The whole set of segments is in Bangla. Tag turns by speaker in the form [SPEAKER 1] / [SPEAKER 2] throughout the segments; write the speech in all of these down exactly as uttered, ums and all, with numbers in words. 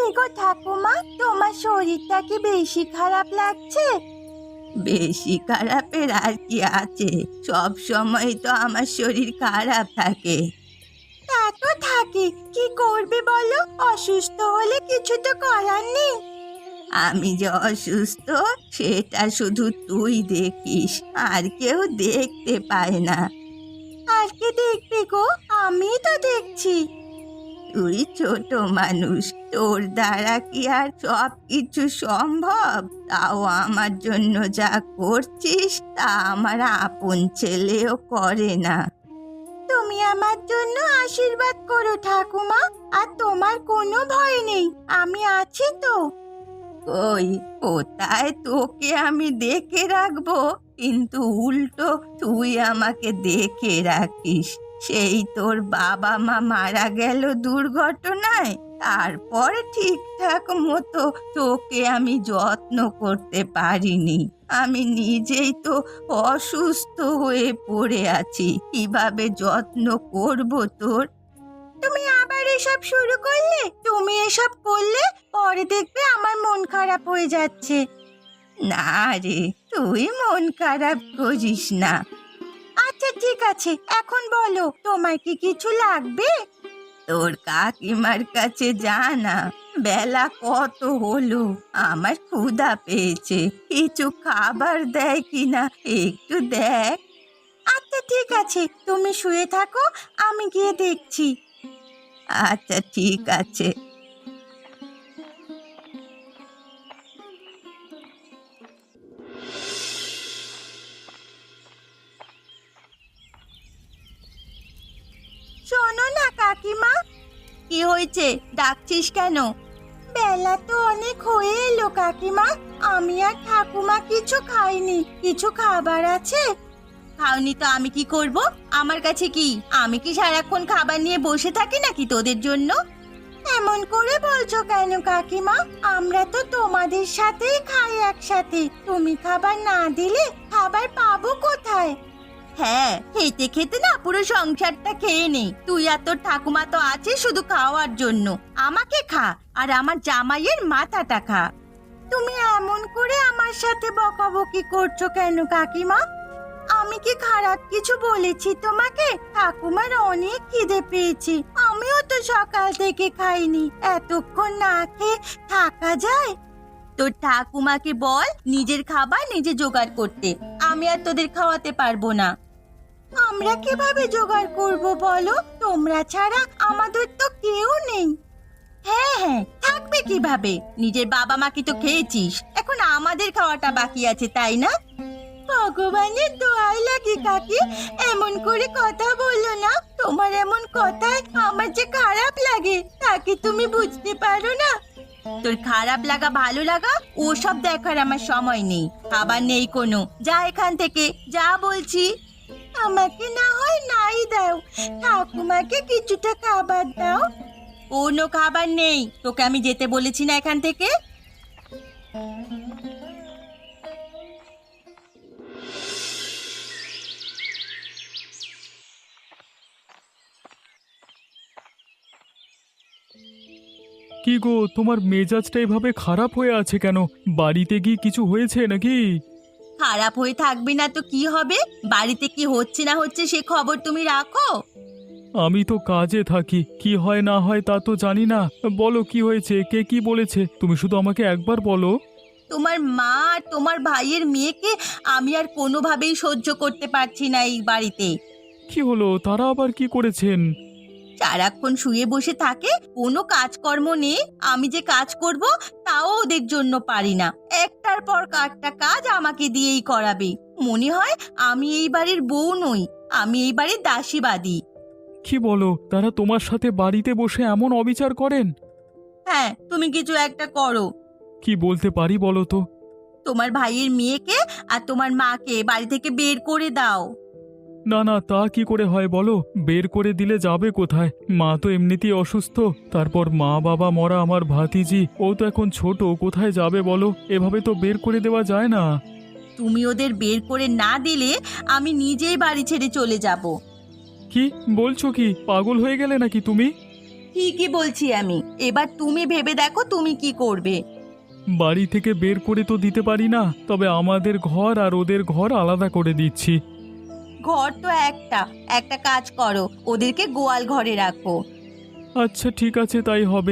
[SPEAKER 1] গো ঠাকুমা, তোমার শরীরটা কি বেশি খারাপ লাগছে? বেশি খারাপের আর কি আছে, সব সময় তো আমার শরীর খারাপ থাকে। তা তো থাকে, কি করবে বলো? অসুস্থ হলে কিছু তো করার নেই। আমি যে অসুস্থ সেটা শুধু তুই দেখিস, আর কেউ দেখতে পায় না। আর কে দেখবে গো? আমি তো দেখছি। তুই ছোট মানুষ, তোর দ্বারা কি আর সব কিছু সম্ভব? তাও আমার জন্য যা করছিস তা আমার আপন ছেলেও করে না। তুমি আমার জন্য আশীর্বাদ করো ঠাকুমা, আর তোমার কোনো ভয় নেই, আমি আছি তো। ওই কোথায় তোকে আমি দেখে রাখবো, কিন্তু উল্টো তুই আমাকে দেখে রাখিস। সেই তোর বাবা মা মারা গেল দুর্ঘটনায়, তারপর ঠিকঠাক মতো তোকে আমি যত্ন করতে পারিনি। আমি নিজেই তো অসুস্থ হয়ে পড়ে আছি, কিভাবে যত্ন করব তোর? তুমি আবার এসব শুরু করলে? তুমি এসব করলে পরে দেখবে আমার মন খারাপ হয়ে যাচ্ছে। না রে, তুই মন খারাপ করিস না। আচ্ছা ঠিক আছে, এখন বলো তোমার কি কিছু লাগবে? তোর কাকিমার কাছে যা না, বেলা কত হলো, আমার ক্ষুধা পেয়েছে, কিছু খাবার দেয় কিনা একটু দেখ। আচ্ছা ঠিক আছে, তুমি শুয়ে থাকো, আমি গিয়ে দেখছি। আচ্ছা ঠিক আছে। শোনো না কাকিমা। কি হয়েছে, ডাকছিস কেন? বেলা তো অনেক হয়ে এলো কাকিমা, আমি আর ঠাকুমা কিছু খাইনি, কিছু খাবার আছে? খাওনি তো আমি কি করব? আমার কাছে কি, আমি কি সারাক্ষণ খাবার নিয়ে বসে থাকি নাকি তোদের জন্য? এমন করে বলছো কেন কাকিমা? আমরা তো তোমাদের সাথেই খাই একসাথে, তুমি খাবার না দিলে খাবার পাবো কোথায়? হ্যাঁ, খেতে খেতে না পুরো সংসারটা খেয়ে নেই। তুই আর তোর ঠাকুমা তো আছে শুধু খাওয়ার জন্য, আমাকে খা আর আমার জামাইয়ের মাথাটা খা। তুমি এমন করে আমার সাথে বকাবকি করছো কেন কাকিমা? আমি কি খারাপ কিছু বলেছি তোমাকে? ঠাকুমার অনেক খিদে পেয়েছি, আমিও তো সকাল থেকে খাইনি, এতক্ষণ না খেয়ে থাকা যায়? তোর ঠাকুমাকে বল নিজের খাবার নিজে জোগাড় করতে, আমি আর তোদের খাওয়াতে পারবো না। আমরা কিভাবে জোগাড় করব বলো? তোমরা ছাড়া আমাদের তো কেউ নেই। হ্যাঁ হ্যাঁ, থাকবে কিভাবে? নিজের বাবা মাকে তো খেয়েছিস, এখন আমাদের খাওয়াটা বাকি আছে, তাই না? ভগবানের দোয়াই লাগে কাকি, এমন করে কথা বললো না। তোমার এমন কথায় আমার যে খারাপ লাগে, তাকে তুমি বুঝতে পারো না? তোর খারাপ লাগা ভালো লাগা ওসব দেখার আমার সময় নেই, খাবার নেই কোনো, যা এখান থেকে, যা বলছি। আমাকে না হয় নাই দাও, ঠাকুমাকে কিছুটা খাবার দাও। কোনো খাবার নেই, তোকে আমি যেতে বলেছি না এখান থেকে।
[SPEAKER 2] কি গো, তোমার মেজাজটা এভাবে খারাপ হয়ে আছে কেন? বাড়িতে কি কিছু হয়েছে নাকি?
[SPEAKER 1] খারাপ হয়ে থাকবে না তো কি হবে? বাড়িতে কি হচ্ছে না হচ্ছে সে খবর তুমি রাখো।
[SPEAKER 2] আমি তো কাজে থাকি, কি হয় না হয় তা তো জানি না। বলো কি হয়েছে, কে কি বলেছে, তুমি শুধু আমাকে একবার বলো।
[SPEAKER 1] তোমার মা আর তোমার ভাইয়ের মেয়েকে আমি আর কোনোভাবেই সহ্য করতে পারছি না এই বাড়িতে।
[SPEAKER 2] কি হলো, তারা আবার কি করেছেন?
[SPEAKER 1] সারাক্ষণ শুয়ে বসে থাকে, কোনো কাজকর্ম নেই, আমি যে কাজ করব তাও ওদের জন্য পারি না, একটার পর একটা কাজ আমাকে দিয়েই করাবে। মনে হয় আমি এই বাড়ির বউ নই, আমি এই বাড়ির দাসীবাদী।
[SPEAKER 2] কি বলো, তারা তোমার সাথে বাড়িতে বসে এমন অবিচার করেন?
[SPEAKER 1] হ্যাঁ, তুমি কিছু একটা করো।
[SPEAKER 2] কি বলতে পারি বলো তো?
[SPEAKER 1] তোমার ভাইয়ের মেয়েকে আর তোমার মাকে বাড়ি থেকে বের করে দাও।
[SPEAKER 2] না না, তা কি করে হয় বলো? বের করে দিলে যাবে কোথায়? মা তো এমনিতেই অসুস্থ, তারপর মা বাবা মরা আমার ভাতিজি, ও তো এখন ছোট, কোথায় যাবে বলো? এভাবে তো বের করে দেওয়া যায় না।
[SPEAKER 1] তুমি ওদের বের করে না দিলে আমি নিজেই বাড়ি ছেড়ে চলে যাব।
[SPEAKER 2] কি বলছো, কি পাগল হয়ে গেলে নাকি তুমি?
[SPEAKER 1] ঠিকই বলছি আমি। এবার তুমি ভেবে দেখো তুমি কি করবে।
[SPEAKER 2] বাড়ি থেকে বের করে তো দিতে পারি না, তবে আমাদের ঘর আর ওদের ঘর আলাদা করে দিচ্ছি।
[SPEAKER 1] ঘর তো একটা একটা কাজ করো, ওদেরকে গোয়াল ঘরে রাখো।
[SPEAKER 2] আচ্ছা ঠিক আছে, তাই হবে।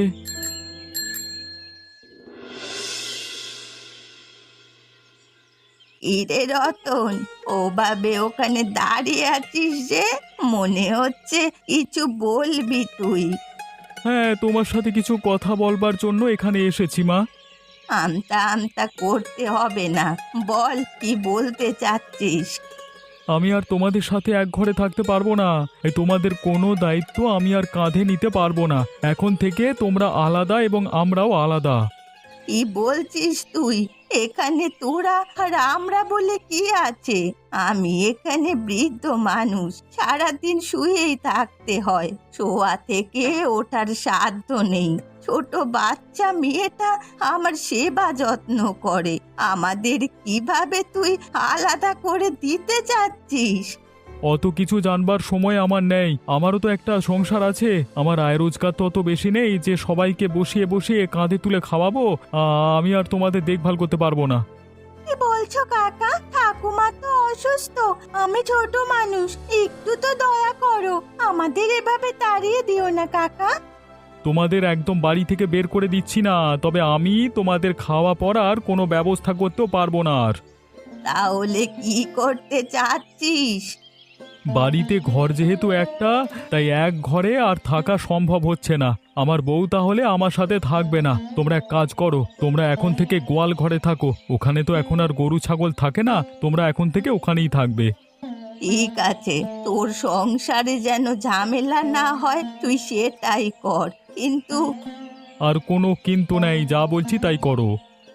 [SPEAKER 1] ইরে রতন, ওভাবে ওখানে দাঁড়িয়ে আছিস যে, মনে হচ্ছে কিছু বলবি তুই।
[SPEAKER 2] হ্যাঁ, তোমার সাথে কিছু কথা বলবার জন্য এখানে এসেছি মা।
[SPEAKER 1] আমতা আমতা করতে হবে না, বল কি বলতে চাচ্ছিস।
[SPEAKER 2] আমি আর তোমাদের সাথে এক ঘরে থাকতে পারবো না। এই তোমাদের কোনো দায়িত্ব আমি আর কাঁধে নিতে পারবো না। এখন থেকে তোমরা আলাদা এবং আমরাও আলাদা।
[SPEAKER 1] কি বলছিস তুই? এখানে তোরা আর আমরা বলে কি আছে? আমি এখানে বৃদ্ধ মানুষ, সারাদিন শুয়েই থাকতে হয়, শোয়া থেকে ওঠার সাধ্য নেই। ছোট বাচ্চা মেয়েটা আমার সেবা যত্ন করে, আমাদের কিভাবে তুই আলাদা করে দিতে চাচ্ছিস?
[SPEAKER 2] অত কিছু জানবার সময় আমার নেই। আমারও তো একটা সংসার আছে। আমার আয় রোজগার তো অত বেশি নেই যে সবাইকে বসিয়ে বসিয়ে কাঁধে তুলে খাওয়াবো। আ, আমি আর তোমাদের দেখভাল করতে পারবো না।
[SPEAKER 1] কি বলছো কাকা? ঠাকুমা তো অসুস্থ, আমি ছোট মানুষ, একটু তো দয়া করো, আমাদের এভাবে তাড়িয়ে দিও না কাকা।
[SPEAKER 2] তোমাদের একদম বাড়ি থেকে বের করে দিচ্ছি না, তবে আমি তোমাদের খাওয়া পরার কোনো ব্যবস্থা করতেও পারবো না আর।
[SPEAKER 1] তাহলে কি করতে চাচ্ছিস?
[SPEAKER 2] বাড়িতে ঘর যেহেতু একটা, তাই এক ঘরে আর থাকা সম্ভব হচ্ছে না। আমার বউ তাহলে আমার সাথে থাকবে না। তোমরা এক কাজ করো, তোমরা এখন থেকে গোয়াল ঘরে থাকো। ওখানে তো এখন আর গরু ছাগল থাকে না, তোমরা এখন থেকে ওখানেই থাকবে।
[SPEAKER 1] ঠিক আছে, তোর সংসারে যেন ঝামেলা না হয় তুই সেটাই কর, কিন্তু
[SPEAKER 2] আর কোনো কিন্তু নেই, যা বলছি তাই করো।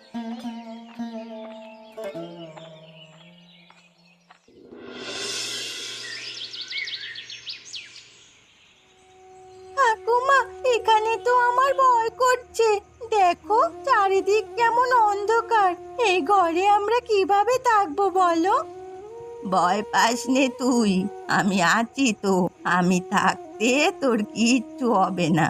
[SPEAKER 1] ঠাকুমা, এখানে তো আমার ভয় করছে। দেখো চারিদিক কেমন অন্ধকার, এই ঘরে আমরা কিভাবে থাকবো বলো? ভয় পাস নে তুই, আমি আছি তো, আমি থাকতে তোর কিচ্ছু হবে না।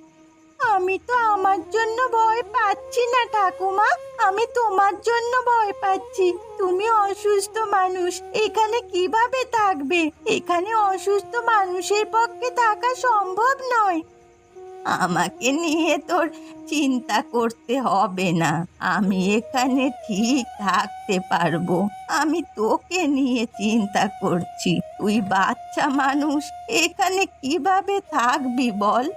[SPEAKER 1] আমি তো আমার জন্য ভয় পাচ্ছি না ঠাকুমা, আমি তোমার জন্য ভয় পাচ্ছি। তুমি অসুস্থ মানুষ, এখানে কিভাবে থাকবে? এখানে অসুস্থ মানুষের পক্ষে থাকা সম্ভব নয়। আমাকে নিয়ে তোর চিন্তা করতে হবে না, আমি এখানে ঠিক থাকতে পারবো। আমি তোকে নিয়ে চিন্তা করছি, তুই বাচ্চা মানুষ, এখানে কিভাবে থাকবি বল?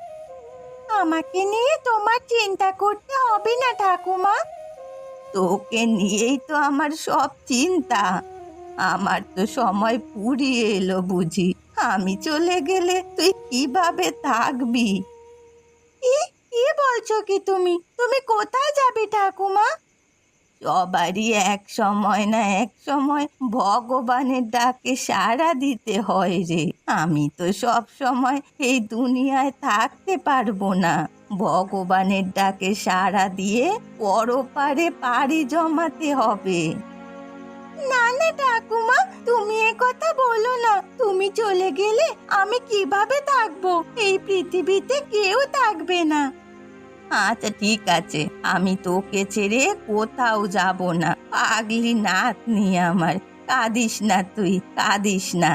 [SPEAKER 1] আমাকে নিয়ে তোমার চিন্তা করতে হবে না ঠাকুমা, তোকে নিয়েই তো আমার সব চিন্তা। আমার তো সময় ফুরিয়ে এলো বুঝি, আমি চলে গেলে তুই কিভাবে থাকবি? কি কি বলছো কি তুমি? তুমি কোথায় যাবে ঠাকুমা? সবারই এক সময় না এক সময় ভগবানের ডাকে সাড়া দিতে হয় রে। আমি তো সব সময় এই দুনিয়ায় থাকতে পারবো না, ভগবানের ডাকে সাড়া দিয়ে পরপারে পাড়ি জমাতে হবে। না না ঠাকুমা, তুমি এ কথা বলো না, তুমি চলে গেলে আমি কিভাবে থাকবো? এই পৃথিবীতে কেউ থাকবে না। আচ্ছা ঠিক আছে, আমি তোকে ছেড়ে কোথাও যাব না, পাগলি নাতনি আমার, কাঁদিস না তুই, কাঁদিস না।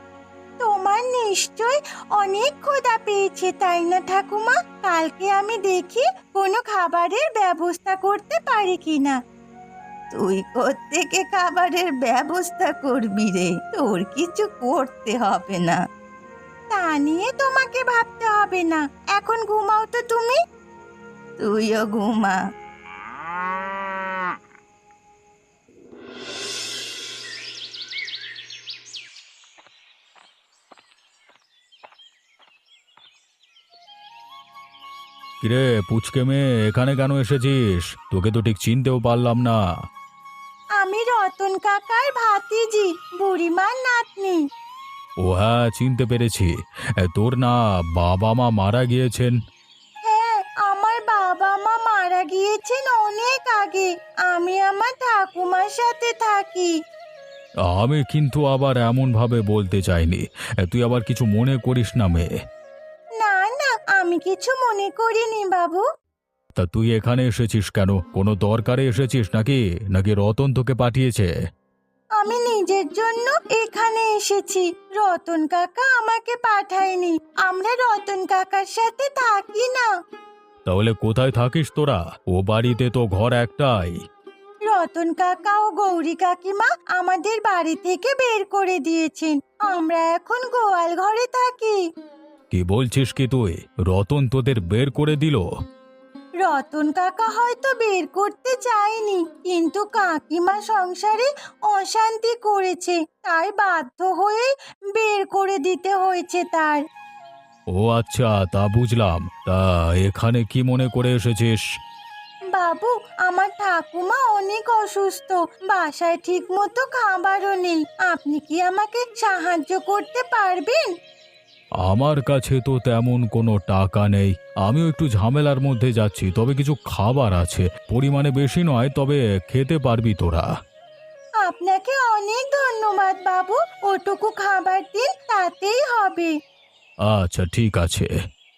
[SPEAKER 1] তোমার নিশ্চয় অনেক ক্ষুধা পেয়েছে তাই না ঠাকুমা? কালকে আমি দেখি কোনো খাবারের ব্যবস্থা করতে পারি কিনা। তুই কোত্থেকে খাবারের ব্যবস্থা করবি রে? তোর কিছু করতে হবে না। তা নিয়ে তোমাকে ভাবতে হবে না, এখন ঘুমাও তো তুমি। তুইও ঘুমা।
[SPEAKER 2] কিরে পুচকে মেয়ে, এখানে কেন এসেছিস? তোকে তো ঠিক চিনতেও পারলাম না।
[SPEAKER 1] আমি রতন কাকার ভাতিজি, বুড়িমার নাতনি।
[SPEAKER 2] ও হ্যাঁ, চিনতে পেরেছি। এ, তোর না বাবা মা মারা গিয়েছেন?
[SPEAKER 1] হ্যাঁ, আমার বাবা মা মারা গিয়েছেন অনেক আগে, আমি আমার ঠাকুমার সাথে থাকি।
[SPEAKER 2] আমি কিন্তু আবার এমন ভাবে বলতে চাইনি। এ, তুই আবার কিছু মনে করিস না মেয়ে।
[SPEAKER 1] না না, আমি কিছু মনে করিনি বাবু।
[SPEAKER 2] তা তুই এখানে এসেছিস কেন? কোনো দরকারে এসেছিস নাকি নাকি রতন তোকে পাঠিয়েছে?
[SPEAKER 1] আমি নিজের জন্য এখানে এসেছি, রতন কাকা আমাকে পাঠায়নি। আমরা রতন কাকার সাথে থাকি না।
[SPEAKER 2] তাহলে কোথায় থাকিস তোরা? ও বাড়িতে তো ঘর একটাই।
[SPEAKER 1] রতন কাকা ও গৌরী কাকিমা আমাদের বাড়ি থেকে বের করে দিয়েছেন। আমরা এখন গোয়াল ঘরে থাকি।
[SPEAKER 2] কি বলছিস কি তুই? রতন তোদের বের করে দিল?
[SPEAKER 1] রতন কাকা হয়তো বের করতে চায়নি, কিন্তু কাকিমা সংসারে অশান্তি করেছে, তাই বাধ্য হয়ে বের করে দিতে হয়েছে তার।
[SPEAKER 2] ও আচ্ছা, তা বুঝলাম। তা এখানে কি মনে করে এসেছিস?
[SPEAKER 1] বাবু, আমার ঠাকুমা অনেক অসুস্থ, বাসায় ঠিক মতো খাবারও নেই। আপনি কি আমাকে সাহায্য করতে পারবেন?
[SPEAKER 2] আমার কাছে তো তেমন কোনো টাকা নেই। আমিও একটু ঝামেলার মধ্যে যাচ্ছি, তবে কিছু খাবার আছে, পরিমাণে বেশি নয়, তবে খেতে পারবি তোরা।
[SPEAKER 1] আপনাকে অনেক ধন্যবাদ বাবু, ওটুকু খাবার দিন, তাতেই হবে।
[SPEAKER 2] আচ্ছা, ঠিক আছে।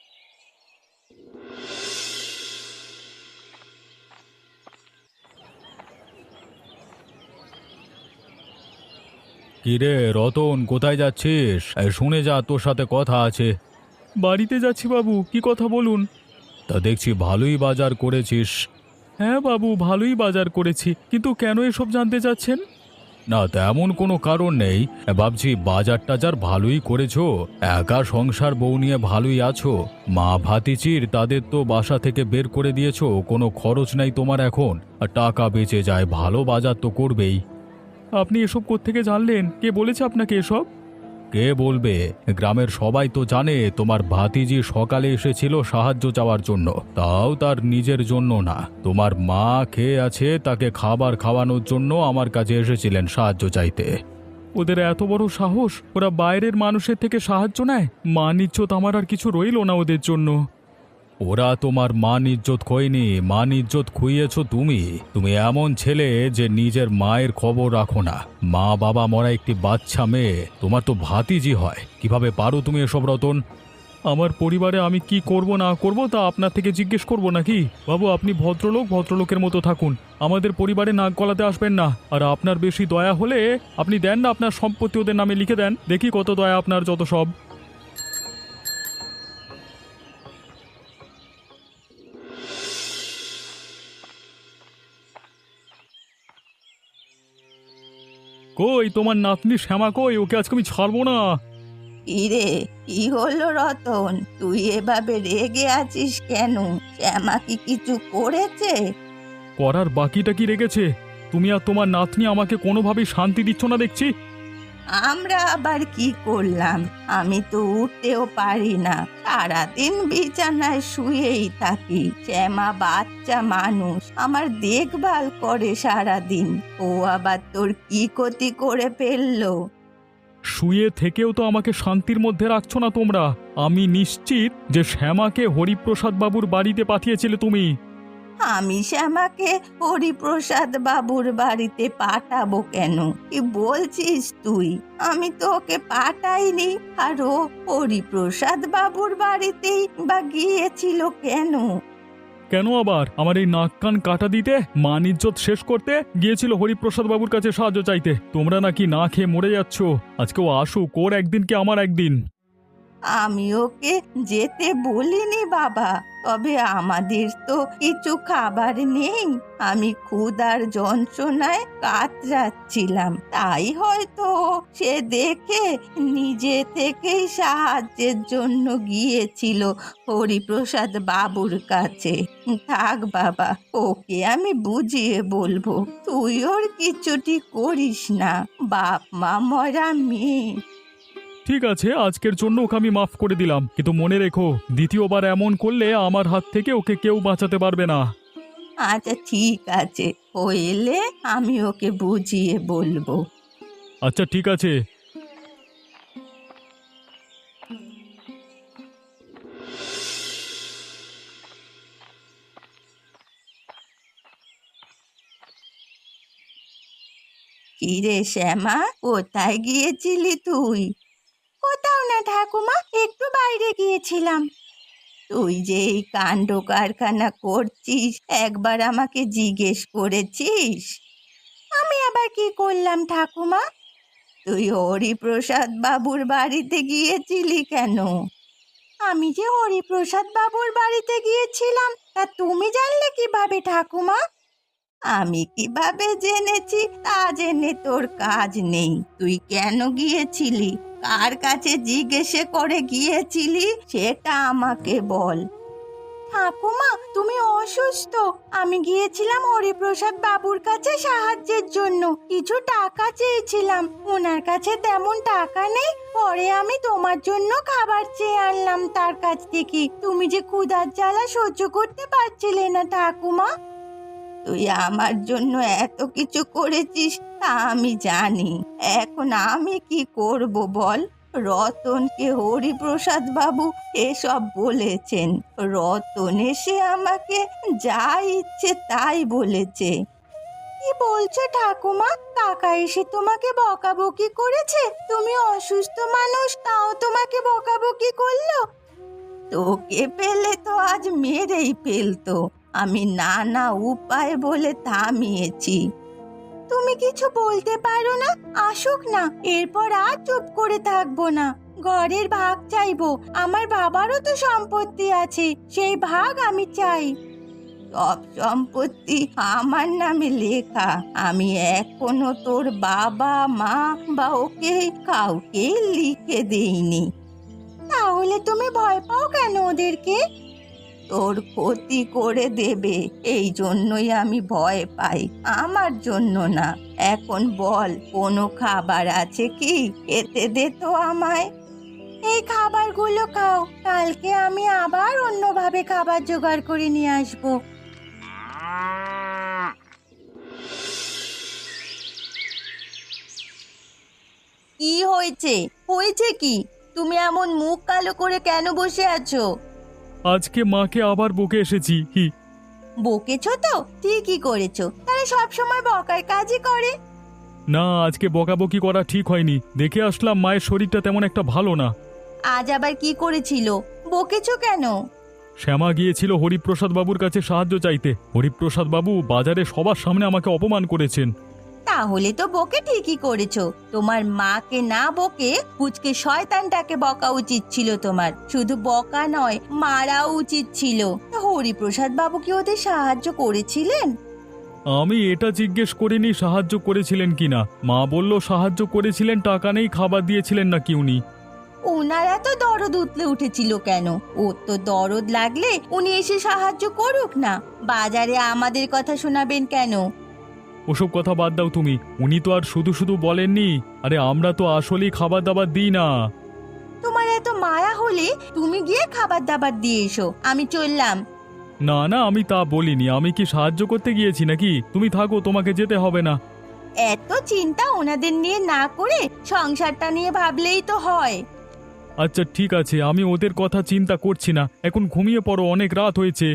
[SPEAKER 2] কিরে রতন, কোথায় যাচ্ছিস? এই শুনে যা, তোর সাথে কথা আছে। বাড়িতে যাচ্ছি বাবু, কি কথা বলুন। তা দেখছি ভালোই বাজার করেছিস। হ্যাঁ বাবু, ভালোই বাজার করেছি, কিন্তু কেন এসব জানতে চাচ্ছেন? না, তেমন কোনো কারণ নেই। ভাবছি বাজার টাজার ভালোই করেছো, একা সংসার বউ নিয়ে ভালোই আছো। মা ভাতিজির তাদের তো বাসা থেকে বের করে দিয়েছো, কোনো খরচ নাই তোমার এখন, আর টাকা বেঁচে যায়, ভালো বাজার তো করবেই। আপনি এসব কোত্থেকে জানলেন? কে বলেছে আপনাকে এসব? কে বলবে? গ্রামের সবাই তো জানে তোমার ভাতিজি সকালে এসেছিল সাহায্য চাওয়ার জন্য, তাও তার নিজের জন্য না। তোমার মা খেয়ে আছে, তাকে খাবার খাওয়ানোর জন্য আমার কাছে এসেছিলেন সাহায্য চাইতে। ওদের এত বড় সাহস, ওরা বাইরের মানুষের থেকে সাহায্য নেয়? মান ইজ্জত আমার আর কিছু রইল না ওদের জন্য। ওরা তোমার মান ইজ্জত খোয়নি, মান ইজ্জত খুইয়েছ তুমি। তুমি এমন ছেলে যে নিজের মায়ের খবর রাখো না। মা বাবা মরা একটি বাচ্চা মেয়ে তোমার তো ভাতিজি হয়, কিভাবে পারো তুমি এসব রতন? আমার পরিবারে আমি কি করব না করব তা আপনার থেকে জিজ্ঞেস করব নাকি? বাবু, আপনি ভদ্রলোক, ভদ্রলোকের মতো থাকুন, আমাদের পরিবারে নাক গলাতে আসবেন না। আর আপনার বেশি দয়া হলে আপনি দেন না আপনার সম্পত্তি ওদের নামে লিখে দেন, দেখি কত দয়া আপনার, যত সব। কই তোমার নাতনি শ্যামা কই? ওকে আজকে আমি ছাড়বো না।
[SPEAKER 1] ইরে, কি হলো রতন? তুই এভাবে রেগে আছিস কেন? শ্যামা কি কিছু করেছে?
[SPEAKER 2] করার বাকিটা কি রেগেছে? তুমি আর তোমার নাতনি আমাকে কোনোভাবেই শান্তি দিচ্ছ না দেখছি।
[SPEAKER 1] আমরা আবার কি করলাম? আমি তো উঠতেও পারি না, সারাদিন বিছানায় শুয়েই থাকি। শ্যামা বাচ্চা মানুষ, আমার দেখভাল করে সারাদিন। ও আবার তোর কি ক্ষতি করে ফেললো?
[SPEAKER 2] শুয়ে থেকেও তো আমাকে শান্তির মধ্যে রাখছো না তোমরা। আমি নিশ্চিত যে শ্যামাকে হরিপ্রসাদ বাবুর বাড়িতে পাঠিয়েছিলে তুমি।
[SPEAKER 1] আমি শ্যামাকে হরিপ্রসাদ বাবুর বাড়িতে পাঠাবো কেন? কি বলছিস তুই? আমি তো ওকে পাঠাইনি। আর ও হরিপ্রসাদ বাবুর বাড়িতেই বা গিয়েছিল কেন?
[SPEAKER 2] কেন আবার? আমার এই নাক কান কাটা দিতে, মান ইজ্জত শেষ করতে গিয়েছিল হরিপ্রসাদ বাবুর কাছে সাহায্য চাইতে। তোমরা নাকি না খেয়ে মরে যাচ্ছ। আজকে ও আসুক, ওর একদিন কি আমার একদিন।
[SPEAKER 1] আমি ওকে যেতে বলিনি বাবা, তবে আমাদের তো কিছু খাবার নেই। আমি ক্ষুধার যন্ত্রণায় কাতরাচ্ছিলাম, তাই হয়তো সে দেখে নিজে থেকেই সাহায্যের জন্য গিয়েছিল হরিপ্রসাদ বাবুর কাছে। থাক বাবা, ওকে আমি বুঝিয়ে বলবো। তুই ওর কিছুটি করিস না, বাপ মা মরা মেয়ে।
[SPEAKER 2] ঠিক আছে, আজকের জন্য ওকে আমি মাফ করে দিলাম, কিন্তু মনে রেখো দ্বিতীয়বার এমন করলে আমার হাত থেকে ওকে কেউ বাঁচাতে পারবে না।
[SPEAKER 1] আচ্ছা ঠিক আছে, ও এলে আমি ওকে বুঝিয়ে বলবো।
[SPEAKER 2] আচ্ছা ঠিক আছে।
[SPEAKER 1] কিরে শ্যামা, কোথায় গিয়েছিলি তুই? কোথাও না ঠাকুমা, একটু বাইরে গিয়েছিলাম। তুই যে এই কাণ্ড কারখানা করছিস একবার আমাকে জিজ্ঞেস করেছিস? আমি আবার কি করলাম ঠাকুমা? তুই হরিপ্রসাদ বাবুর বাড়িতে গিয়েছিলি কেন? আমি যে হরিপ্রসাদ বাবুর বাড়িতে গিয়েছিলাম তা তুমি জানলে কিভাবে ঠাকুমা? আমি কিভাবে জেনেছি তা জেনে তোর কাজ নেই। তুই কেন গিয়েছিলি, কার কাছে জিজ্ঞেসে করে গিয়েছিলি সেটা আমাকে বল। ঠাকুমা তুমি অসুস্থ, আমি গিয়েছিলাম হরিপ্রসাদ বাবুর কাছে সাহায্যের জন্য। কিছু টাকা চেয়েছিলাম, ওনার কাছে তেমন টাকা নেই। পরে আমি তোমার জন্য খাবার চেয়ে আনলাম তার কাছ থেকে। তুমি যে ক্ষুধার জ্বালা সহ্য করতে পারছিলে না ঠাকুমা। তুই আমার জন্য এত কিছু করেছিস তা আমি জানি। এখন আমি কি করব বল? রতনকে হরিপ্রসাদ বাবু এসব বলেছেন। রতন এসে আমাকে যা ইচ্ছে তাই বলেছে। কি বলছো ঠাকুমা? কাকা এসে তোমাকে বকাবকি করেছে? তুমি অসুস্থ মানুষ, তাও তোমাকে বকাবকি করলো? তোকে পেলে তো আজ মেরেই ফেলতো। আমি নানা উপায় বলে থামিয়েছি। তুমি কিছু বলতে পারো না? আসুক না, এরপর আর চুপ করে থাকবো না। ঘরের ভাগ চাইবো। আমার বাবারও তো সম্পত্তি আছে, সেই ভাগ আমি চাই। সব সম্পত্তি আমার নামে লেখা। আমি এখনো তোর বাবা মা বা ওকে কাউকে লিখে দেইনি। তাহলে তুমি ভয় পাও কেন ওদেরকে? তোর ক্ষতি করে দেবে, এই জন্যই আমি ভয় পাই, আমার জন্য না। এখন বল, কোনো খাবার আছে কি? খেতে দে তো আমায়। এই খাবারগুলো খাও, কালকে আমি আবার অন্যভাবে খাবার জোগাড় করে নিয়ে আসবো। কি হয়েছে? হয়েছে কি? তুমি এমন মুখ কালো করে কেন বসে আছো?
[SPEAKER 2] আজকে মাকে আবার বকে এসেছি। হি
[SPEAKER 1] বকেছো তো? ঠিকই করেছো, তারা সব সময় বকার কাজই করে।
[SPEAKER 2] না, আজকে বকাবকি করা ঠিক হয়নি। দেখে আসলাম মায়ের শরীরটা তেমন একটা ভালো না।
[SPEAKER 1] আজ আবার কি করেছিল? বকেছো কেন?
[SPEAKER 2] শ্যামা গিয়েছিল হরিপ্রসাদ বাবুর কাছে সাহায্য চাইতে। হরিপ্রসাদ বাবু বাজারে সবার সামনে আমাকে অপমান করেছেন।
[SPEAKER 1] তাহলে তো বকে ঠিকই করেছো। তোমার মাকে না বকে পুচকে শয়তানটাকে বকা উচিত ছিল তোমার। শুধু বকা নয়, মারাও উচিত ছিল। হরিপ্রসাদ বাবু কি ওদের সাহায্য করেছিলেন?
[SPEAKER 2] আমি এটা জিজ্ঞেস করিনি সাহায্য করেছিলেন কিনা। মা বলল সাহায্য করেছিলেন, টাকা নেই, খাবার দিয়েছিলেন নাকি উনি।
[SPEAKER 1] ওনার এত দরদ উতলে উঠেছিল কেন? ওর তো দরদ লাগলে উনি এসে সাহায্য করুক না। বাজারে আমাদের কথা শোনাবেন কেন?
[SPEAKER 2] ওসব কথা বাদ দাও তুমি। উনি তো আর শুধু শুধু বলেননি। আরে আমরা তো আসলেই খাবার দাবার দিই না।
[SPEAKER 1] তোমার এত মায়া হলে তুমি গিয়ে খাবার দাবার দিয়ে এসো, আমি চললাম।
[SPEAKER 2] না না, আমি তা বলিনি। আমি কি সাহায্য করতে গিয়েছি নাকি? তুমি থাকো, তোমাকে যেতে হবে না।
[SPEAKER 1] এত চিন্তা ওনাদের নিয়ে না করে সংসারটা নিয়ে ভাবলেই তো হয়।
[SPEAKER 2] আচ্ছা ঠিক আছে, আমি ওদের কথা চিন্তা করছি না। এখন ঘুমিয়ে পড়ো, অনেক রাত হয়েছে।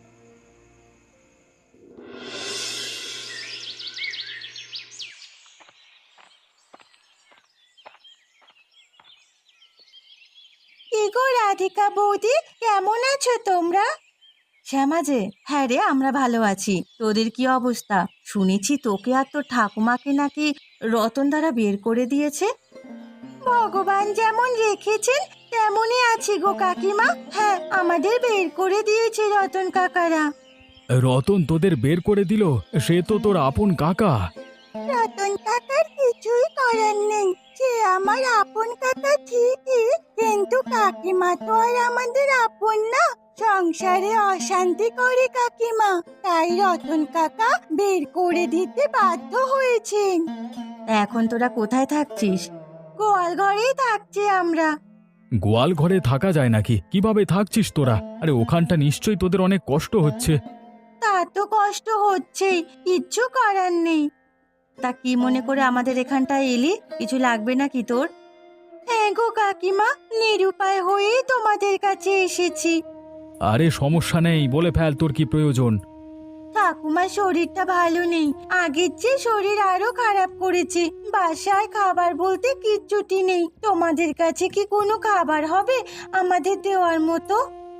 [SPEAKER 1] কি গো রাধিকা বৌদি, কেমন আছো তোমরা? শ্যামা যে, হ্যাঁ রে, আমরা ভালো আছি। তোদের কি অবস্থা? শুনেছি তোকে আর তোর ঠাকুমাকে নাকি রতন দ্বারা বের করে দিয়েছে। ভগবান যেমন রেখেছেন তেমনই আছি গো কাকিমা। হ্যাঁ, আমাদের বের করে দিয়েছে রতন কাকারা।
[SPEAKER 2] রতন তোদের বের করে দিল? সে তো তোর আপন কাকা।
[SPEAKER 1] রতন কাকার কিছুই করার নেই। সে আমার আপন কাকা ঠিকই, কিন্তু কাকিমা তো আর আমাদের আপন না। সংসারে অশান্তি করে কাকিমা, তাই রতন কাকা বের করে দিতে বাধ্য হয়েছেন। এখন তোরা কোথায় থাকছিস? গোয়াল ঘরেই থাকছি আমরা।
[SPEAKER 2] গোয়াল ঘরে থাকা যায় নাকি? কিভাবে থাকছিস তোরা? আরে ওখানটা নিশ্চয়ই তোদের অনেক কষ্ট হচ্ছে।
[SPEAKER 1] তা তো কষ্ট হচ্ছেই, কিচ্ছু করার নেই। তা কি মনে করে আমাদের এখানটায় এলি? কিছু লাগবে নাকি তোর? হ্যাঁ গো কাকিমা, নিরুপায় হয়েই তোমাদের কাছে এসেছি।
[SPEAKER 2] আরে সমস্যা নেই, বলে ফেল তোর কি প্রয়োজন।
[SPEAKER 1] ঠাকুমার শরীরটা ভালো নেই, আগের চেয়ে শরীর আরো খারাপ করেছে। বাসায় খাবার বলতে কিচ্ছুটি নেই। তোমাদের কাছে কি কোনো খাবার হবে আমাদের দেওয়ার মতো?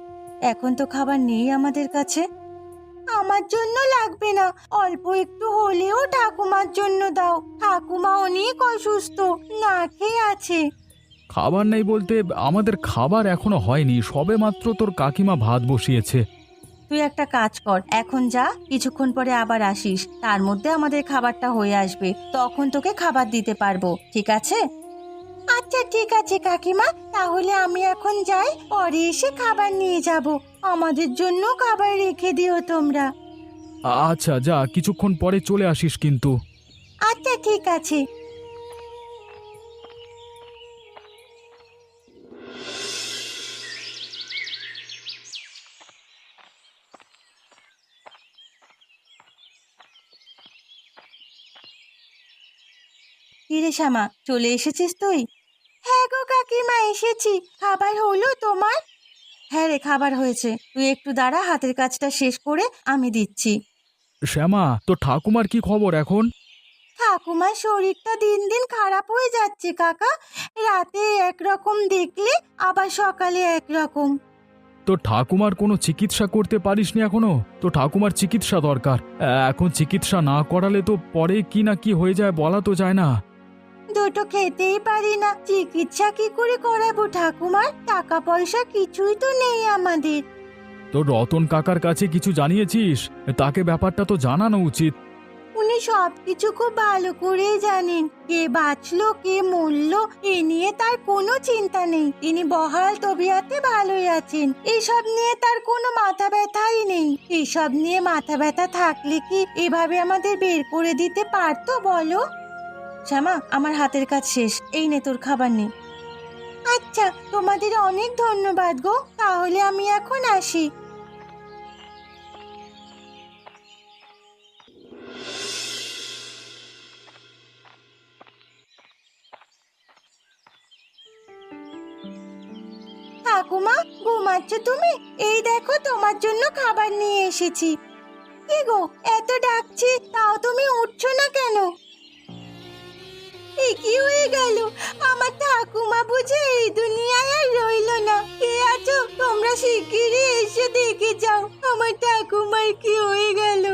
[SPEAKER 1] এখন তো খাবার নেই আমাদের কাছে। আমার জন্য লাগবে না, অল্প একটু হলেও ঠাকুমার জন্য দাও। ঠাকুমা অনেক অসুস্থ, না খেয়ে আছে।
[SPEAKER 2] খাবার নেই বলতে আমাদের খাবার এখনো হয়নি, সবে মাত্র তোর কাকিমা ভাত বসিয়েছে।
[SPEAKER 1] তুই একটা কাজ কর, এখন যা, কিছুক্ষণ পরে আবার আসিস, তার মধ্যে আমাদের খাবারটা হয়ে আসবে, তখন তোকে খাবার দিতে পারবো, ঠিক আছে? আচ্ছা ঠিক আছে কাকিমা, তাহলে আমি এখন যাই, পরে এসে খাবার নিয়ে যাব। আমাদের জন্য খাবার রেখে দিও তোমরা।
[SPEAKER 2] আচ্ছা যা, কিছুক্ষণ পরে চলে আসিস কিন্তু।
[SPEAKER 1] আচ্ছা ঠিক আছে। কিরে শ্যামা, চলে এসেছিস তুই? হ্যাঁ গো কাকিমা, এসেছি। খাবার হলো তোমার? হ্যাঁ রে, খাবার হয়েছে। তুই একটু দাঁড়া, হাতের কাজটা শেষ করে আমি দিচ্ছি।
[SPEAKER 2] শ্যামা, তো ঠাকুমার কি খবর এখন?
[SPEAKER 1] ঠাকুমার শরীরটা দিন দিন খারাপ হয়ে যাচ্ছে কাকা। রাতে একরকম দেখলে আবার সকালে একরকম।
[SPEAKER 2] তো ঠাকুমার কোনো চিকিৎসা করতে পারিসনি এখনো? তো ঠাকুমার চিকিৎসা দরকার, এখন চিকিৎসা না করালে তো পরে কি না কি হয়ে যায় বলা তো যায় না।
[SPEAKER 1] দুটো খেতেই পারি না, চিকিৎসা কি করে করাবো ঠাকুমার? টাকা পয়সা কিছুই তো নেই আমাদের।
[SPEAKER 2] তো রতন কাকার কাছে কিছু জানিয়েছিস? তাকে ব্যাপারটা তো জানানো উচিত।
[SPEAKER 1] উনি সব কিছু খুব ভালো করেই জানেন, কে বাঁচলো কে মরলো এ নিয়ে তার কোনো চিন্তা নেই। তিনি বহাল তবিয়াতে ভালোই আছেন, এসব নিয়ে তার কোনো মাথা ব্যথাই নেই। এসব নিয়ে মাথা ব্যথা থাকলে কি এভাবে আমাদের বের করে দিতে পারতো বলো? শ্যামা, আমার হাতের কাজ শেষ, এই নে তোর খাবার নে। আচ্ছা, তোমাদের অনেক ধন্যবাদ গো, তাহলে আমি এখন আসি। ঠাকুমা, ঘুমাচ্ছ তুমি? এই দেখো তোমার জন্য খাবার নিয়ে এসেছি। কি গো, এত ডাকছি তাও তুমি উঠছো না কেন? এ কি হয়ে গেল? আমার ঠাকুমা বুঝে এই দুনিয়ায় আর রইলো না। কে আছো তোমরা, শিগগিরই এসে দেখে যাও আমার ঠাকুমার কি হয়ে গেল।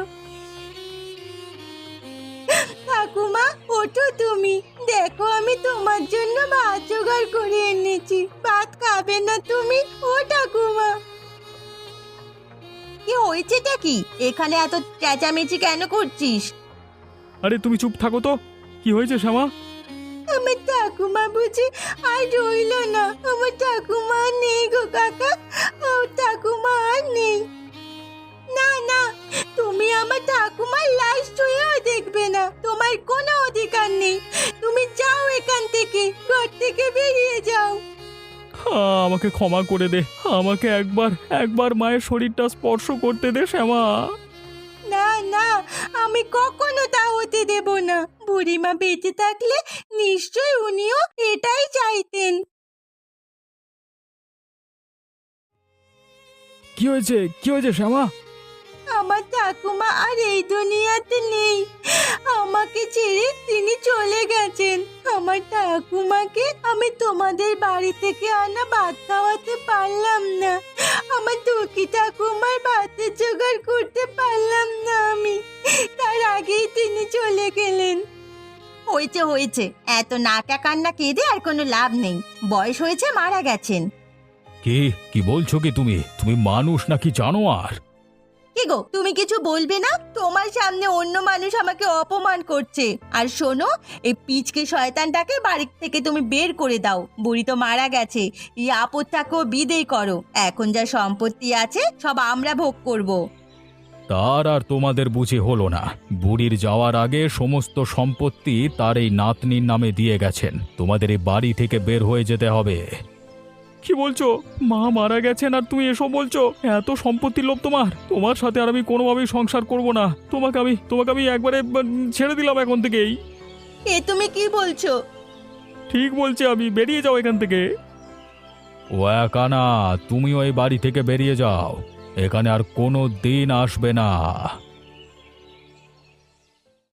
[SPEAKER 1] ঠাকুমা, ওঠো তুমি, দেখো আমি তোমার জন্য ভাত জোগাড় করে এনেছি। ভাত খাবে না তুমি? ও ঠাকুমা। কি হয়েছেটা কি? এখানে এত চেঁচামেচি কেন করছিস?
[SPEAKER 2] আরে তুমি চুপ থাকো তো, কি হয়েছে শ্যামা?
[SPEAKER 1] আমার ঠাকুমা বুঝি আর রইল না। আমার ঠাকুমা আর নেই গো কাকা, ও ঠাকুমা আর নেই। না না, তুমি আমার ঠাকুমার লাশ ছুঁয়েও দেখবে না, তোমার কোনো অধিকার নেই। তুমি যাও এখান থেকে, ঘর থেকে বেরিয়ে যাও।
[SPEAKER 2] হ্যাঁ, আমাকে ক্ষমা করে দে, আমাকে একবার একবার মায়ের শরীরটা স্পর্শ করতে দে শ্যামা।
[SPEAKER 1] না না, আমি কখনো তা হতে দেব না। বুড়িমা বেঁচে থাকলে নিশ্চয় উনিও এটাই চাইতেন।
[SPEAKER 2] কি হয়েছে, কি হয়েছে শ্যামা?
[SPEAKER 1] আমার ঠাকুমা আর এই দুনিয়াতে নেই, আমাকে ছেড়ে তিনি চলে গেছেন। আমার ঠাকুমাকে আমি তোমাদের বাড়ি থেকে আনা ভাত খাওয়াতে পারলাম না, আমার দুঃখী ঠাকুমার ভাতের জোগাড় করতে পারলাম না আমি, তার আগেই তিনি চলে গেলেন। হয়েছে হয়েছে, এত নাকা কান্না কেঁদে আর কোনো লাভ নেই, বয়স হয়েছে, মারা গেছেন।
[SPEAKER 2] কি কি বলছো কি তুমি? তুমি মানুষ নাকি জানোয়ার?
[SPEAKER 1] কি গো, তুমি কিছু বলবে না? তোমার সামনে অন্য মানুষ আমাকে অপমান করছে। আর শোনো, এই পিচকে শয়তানটাকে বাড়ি থেকে তুমি বের করে দাও। বুড়ি তো মারা গেছে, এই আপদটাকেও বিদেয় করো। এখন যা সম্পত্তি আছে সব আমরা ভোগ করব।
[SPEAKER 2] তার আর তোমাদের বুঝি হলো না? বুড়ির যাওয়ার আগে সমস্ত সম্পত্তি তার এই নাতনির নামে দিয়ে গেছেন। তোমাদের এই বাড়ি থেকে বের হয়ে যেতে হবে। কি বলছো? মা মারা গেছেন আর তুমি এসব বলছো? এত সম্পত্তির লোভ তোমার? তোমার সাথে আর আমি কোনোভাবেই সংসার করব না। তোমাকে আমি তোমাকে আমি একবারে ছেড়ে দিলাম এখন থেকেই।
[SPEAKER 1] এ তুমি কি বলছো?
[SPEAKER 2] ঠিক বলছি আমি, বেরিয়ে যাও এখান থেকে। ও একা না, তুমিও এই বাড়ি থেকে বেরিয়ে যাও, এখানে আর কোনো দিন আসবে না।